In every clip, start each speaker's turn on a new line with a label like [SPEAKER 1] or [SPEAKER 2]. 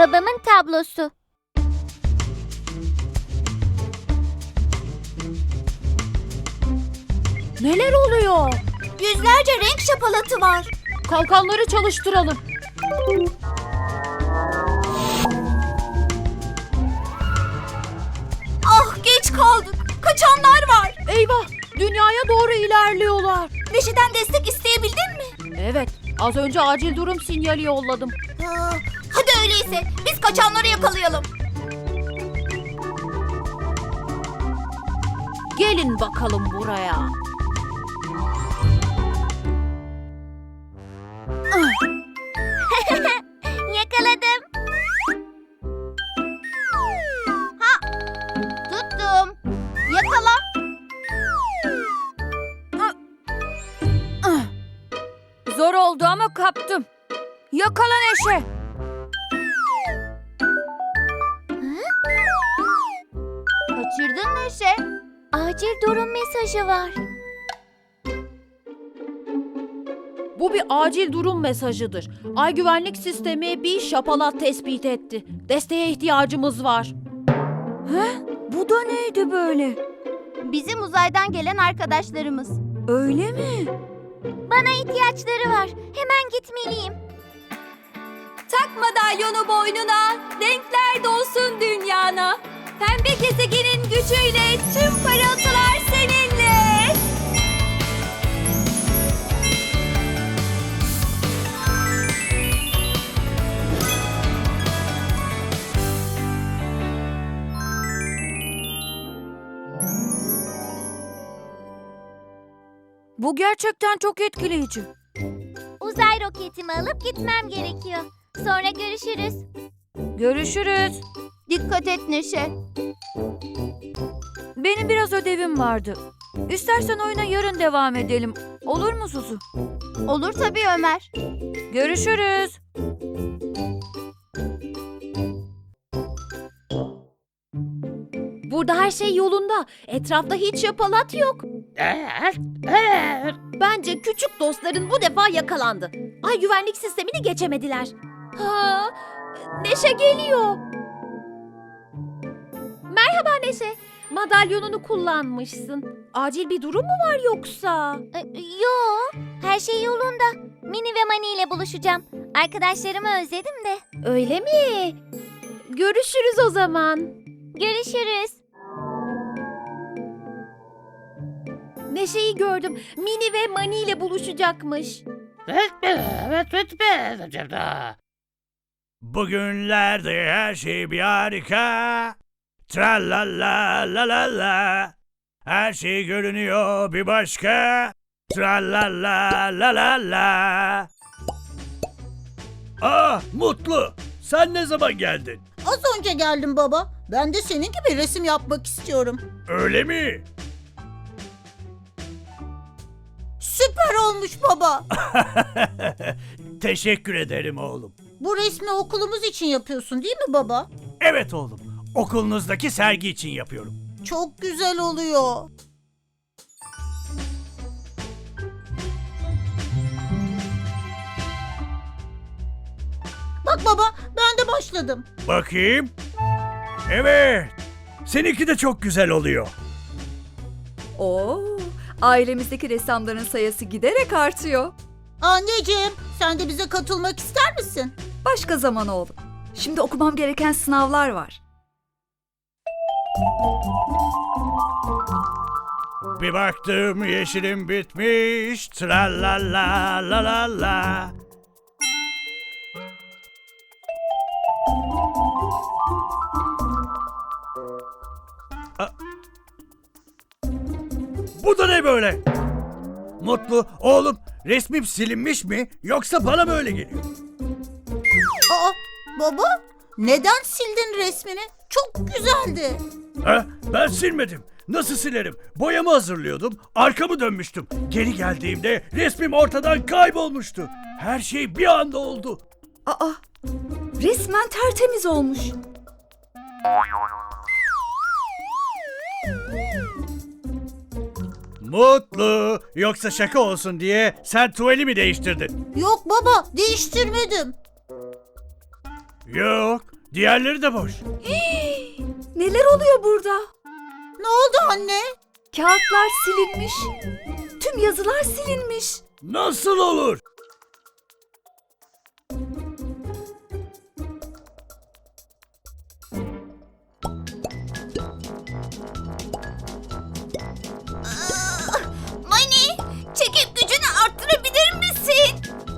[SPEAKER 1] Babamın tablosu.
[SPEAKER 2] Neler oluyor?
[SPEAKER 3] Yüzlerce renk şapalatı var.
[SPEAKER 2] Kalkanları çalıştıralım.
[SPEAKER 3] Ah, geç kaldık. Kaçanlar var.
[SPEAKER 2] Eyvah! Dünyaya doğru ilerliyorlar.
[SPEAKER 3] Neşe'den destek isteyebildin mi?
[SPEAKER 2] Evet, az önce acil durum sinyali yolladım.
[SPEAKER 3] Hadi öyleyse biz kaçanları yakalayalım.
[SPEAKER 2] Gelin bakalım buraya.
[SPEAKER 1] Yakaladım.
[SPEAKER 3] Tuttum. Yakala.
[SPEAKER 2] Zor oldu ama kaptım. Yakala Neşe.
[SPEAKER 3] Kaçırdın Neşe.
[SPEAKER 1] Acil durum mesajı var.
[SPEAKER 2] Bu bir acil durum mesajıdır. Ay güvenlik sistemi bir şapalat tespit etti. Desteğe ihtiyacımız var. Bu da neydi böyle?
[SPEAKER 3] Bizim uzaydan gelen arkadaşlarımız.
[SPEAKER 2] Öyle mi?
[SPEAKER 1] Bana ihtiyaçları var. Hemen gitmeliyim.
[SPEAKER 3] Tak madalyonu boynuna, renkler dolsun dünyana. Pembe gezegenin gücüyle tüm parıltılar seninle.
[SPEAKER 2] Bu gerçekten çok etkileyici.
[SPEAKER 1] Uzay roketimi alıp gitmem gerekiyor. Sonra görüşürüz.
[SPEAKER 2] Görüşürüz.
[SPEAKER 3] Dikkat et Neşe.
[SPEAKER 2] Benim biraz ödevim vardı. İstersen oyuna yarın devam edelim. Olur mu Suzu?
[SPEAKER 3] Olur tabii Ömer.
[SPEAKER 2] Görüşürüz. Burada her şey yolunda. Etrafta hiç şapalat yok. Bence küçük dostların bu defa yakalandı. Ay güvenlik sistemini geçemediler. Ha, Neşe geliyor. Merhaba Neşe. Madalyonunu kullanmışsın. Acil bir durum mu var yoksa?
[SPEAKER 1] Yo, her şey yolunda. Mini ve Mani ile buluşacağım. Arkadaşlarımı özledim de.
[SPEAKER 2] Öyle mi? Görüşürüz o zaman.
[SPEAKER 1] Görüşürüz.
[SPEAKER 2] Neşe'yi gördüm. Mini ve Mani ile buluşacakmış.
[SPEAKER 4] Bugünlerde her şey bir harika. Tra la la la la la. Her şey görünüyor bir başka. Tra la la la la la. Mutlu. Sen ne zaman geldin?
[SPEAKER 5] Az önce geldim baba. Ben de senin gibi resim yapmak istiyorum.
[SPEAKER 4] Öyle mi?
[SPEAKER 5] Süper olmuş baba.
[SPEAKER 4] Teşekkür ederim oğlum.
[SPEAKER 5] Bu resmi okulumuz için yapıyorsun değil mi baba?
[SPEAKER 4] Evet oğlum. Okulunuzdaki sergi için yapıyorum.
[SPEAKER 5] Çok güzel oluyor. Bak baba, ben de başladım.
[SPEAKER 4] Bakayım. Evet. Seninki de çok güzel oluyor.
[SPEAKER 6] Oo, ailemizdeki ressamların sayısı giderek artıyor.
[SPEAKER 5] Anneciğim, sen de bize katılmak ister misin?
[SPEAKER 6] Başka zaman oğlum. Şimdi okumam gereken sınavlar var.
[SPEAKER 4] Bir baktım yeşilim bitmiş. Tra la la la la la. Bu da ne böyle? Mutlu, oğlum resmim silinmiş mi yoksa bana mı öyle geliyor?
[SPEAKER 5] Aa, baba, neden sildin resmini? Çok güzeldi.
[SPEAKER 4] Ben silmedim. Nasıl silerim? Boyamı hazırlıyordum, arkamı dönmüştüm. Geri geldiğimde resmim ortadan kaybolmuştu. Her şey bir anda oldu.
[SPEAKER 6] Aa, resmen tertemiz olmuş.
[SPEAKER 4] Mutlu, yoksa şaka olsun diye sen tuvali mi değiştirdin?
[SPEAKER 5] Yok baba, değiştirmedim.
[SPEAKER 4] Yok, diğerleri de boş.
[SPEAKER 6] Neler oluyor burada?
[SPEAKER 5] Ne oldu anne?
[SPEAKER 6] Kağıtlar silinmiş. Tüm yazılar silinmiş.
[SPEAKER 4] Nasıl olur?
[SPEAKER 3] Mani, çekip gücünü arttırabilir misin?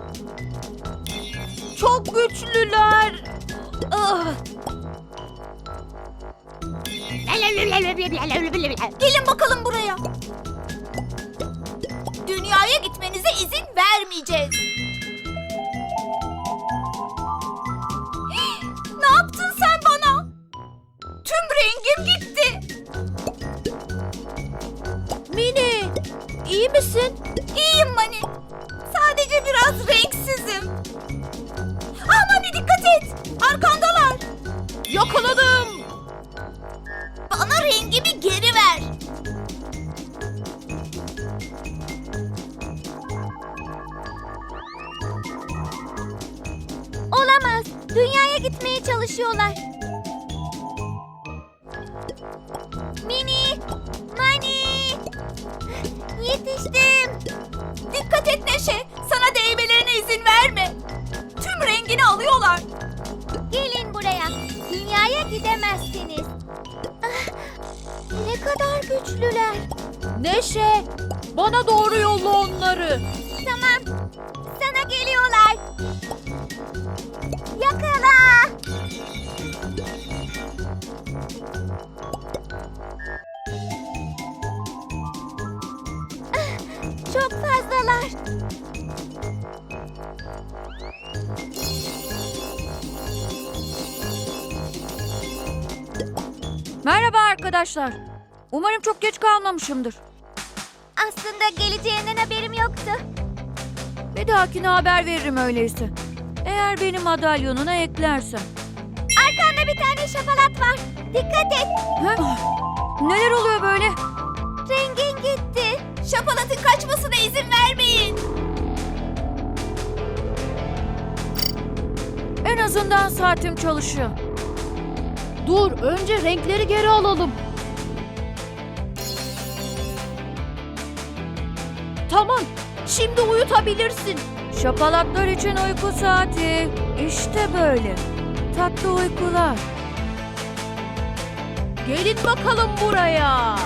[SPEAKER 2] Çok güçlüler. Ah,
[SPEAKER 3] Gelin bakalım buraya. Dünyaya gitmenize izin vermeyeceğiz. Ne yaptın sen bana? Tüm rengim gitti.
[SPEAKER 2] Mini, iyi misin?
[SPEAKER 3] İyiyim Mani. Sadece biraz renksizim. Ah Mani, dikkat et. Arkandalar.
[SPEAKER 2] Yakaladım.
[SPEAKER 3] Bana rengimi geri ver.
[SPEAKER 1] Olamaz. Dünyaya gitmeye çalışıyorlar. Mini! Mani! Yetiştim.
[SPEAKER 3] Dikkat et Neşe. Sana değmelerine izin verme. Tüm rengini alıyorlar.
[SPEAKER 1] Gelin buraya. Dünyaya gidemezsiniz. Ah, ne kadar güçlüler.
[SPEAKER 2] Neşe, bana doğru yolla onları.
[SPEAKER 1] Tamam. Sana geliyorlar. Yakala. Ah, çok fazlalar.
[SPEAKER 2] Merhaba arkadaşlar. Umarım çok geç kalmamışımdır.
[SPEAKER 1] Aslında geleceğinden haberim yoktu.
[SPEAKER 2] Bir dahakine haber veririm öyleyse. Eğer beni madalyonuna eklersen.
[SPEAKER 1] Arkanda bir tane şapalat var. Dikkat et.
[SPEAKER 2] Neler oluyor böyle?
[SPEAKER 1] Rengin gitti.
[SPEAKER 3] Şapalatın kaçmasına izin vermeyin.
[SPEAKER 2] En azından saatim çalışıyor. Dur, önce renkleri geri alalım. Tamam, şimdi uyutabilirsin. Şapalatlar için uyku saati. İşte böyle. Tatlı uykular. Gelin bakalım buraya.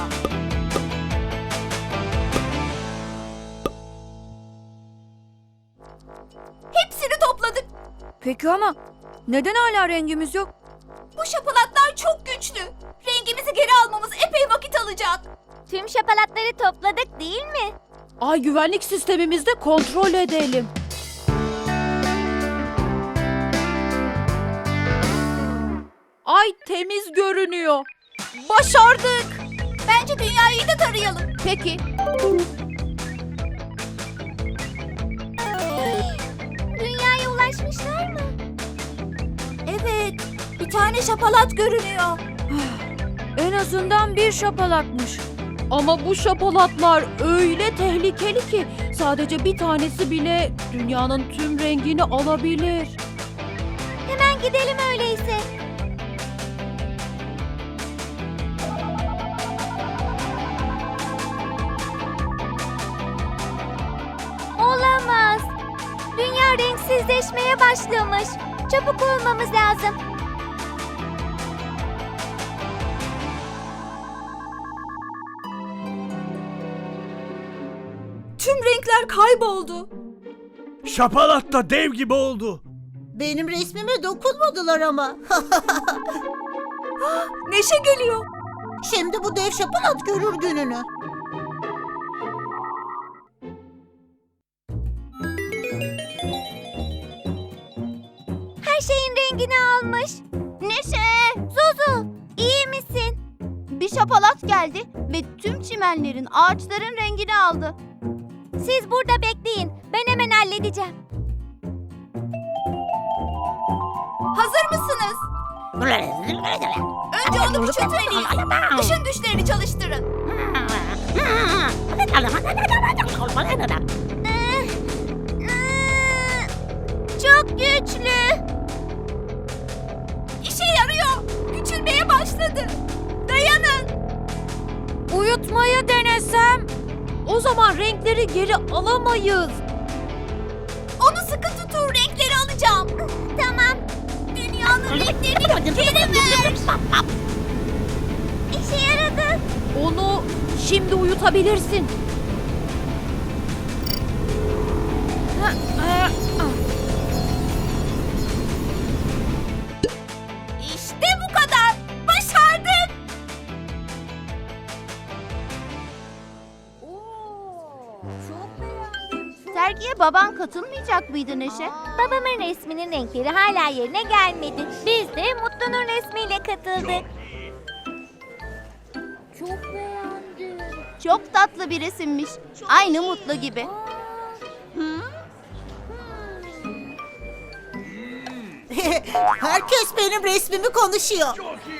[SPEAKER 3] Hepsini topladık.
[SPEAKER 2] Peki ama neden hala rengimiz yok?
[SPEAKER 3] Bu şapalatlar çok güçlü. Rengimizi geri almamız epey vakit alacak.
[SPEAKER 1] Tüm şapalatları topladık değil mi?
[SPEAKER 2] Ay güvenlik sistemimizde kontrol edelim. Ay temiz görünüyor. Başardık.
[SPEAKER 3] Bence dünyayı da tarayalım.
[SPEAKER 2] Peki.
[SPEAKER 1] Dünyaya ulaşmışlar mı?
[SPEAKER 3] Evet, bir tane şapalat görünüyor.
[SPEAKER 2] En azından bir şapalatmış. Ama bu şapalatlar öyle tehlikeli ki sadece bir tanesi bile dünyanın tüm rengini alabilir.
[SPEAKER 1] Hemen gidelim öyleyse. Olamaz. Dünya renksizleşmeye başlamış. Çabuk olmamız lazım.
[SPEAKER 3] Tüm renkler kayboldu.
[SPEAKER 4] Şapalat da dev gibi oldu.
[SPEAKER 5] Benim resmime dokunmadılar ama.
[SPEAKER 3] Neşe geliyor.
[SPEAKER 5] Şimdi bu dev şapalat görür gününü.
[SPEAKER 1] Her şeyin rengini almış. Neşe, Zuzu, iyi misin?
[SPEAKER 3] Bir şapalat geldi ve tüm çimenlerin, ağaçların rengini aldı.
[SPEAKER 1] Siz burada bekleyin. Ben hemen halledeceğim.
[SPEAKER 3] Hazır mısınız? Önce onu küçültmeliyiz. Işın güçlerini çalıştırın.
[SPEAKER 1] Çok güçlü.
[SPEAKER 2] tutmayı denesem? O zaman renkleri geri alamayız.
[SPEAKER 3] Onu sıkı tutun, renkleri alacağım.
[SPEAKER 1] Tamam.
[SPEAKER 3] Dünyanın renklerini geri ver.
[SPEAKER 1] İşe yaradı.
[SPEAKER 2] Onu şimdi uyutabilirsin.
[SPEAKER 3] İşte bu kadar. Başardık.
[SPEAKER 1] Sergiye baban katılmayacak mıydı Neşe? Babamın resminin renkleri hala yerine gelmedi. Biz de Mutlu'nun resmiyle katıldık. Çok beğendim. Çok tatlı bir resimmiş. Aynı Mutlu gibi.
[SPEAKER 5] Herkes benim resmimi konuşuyor.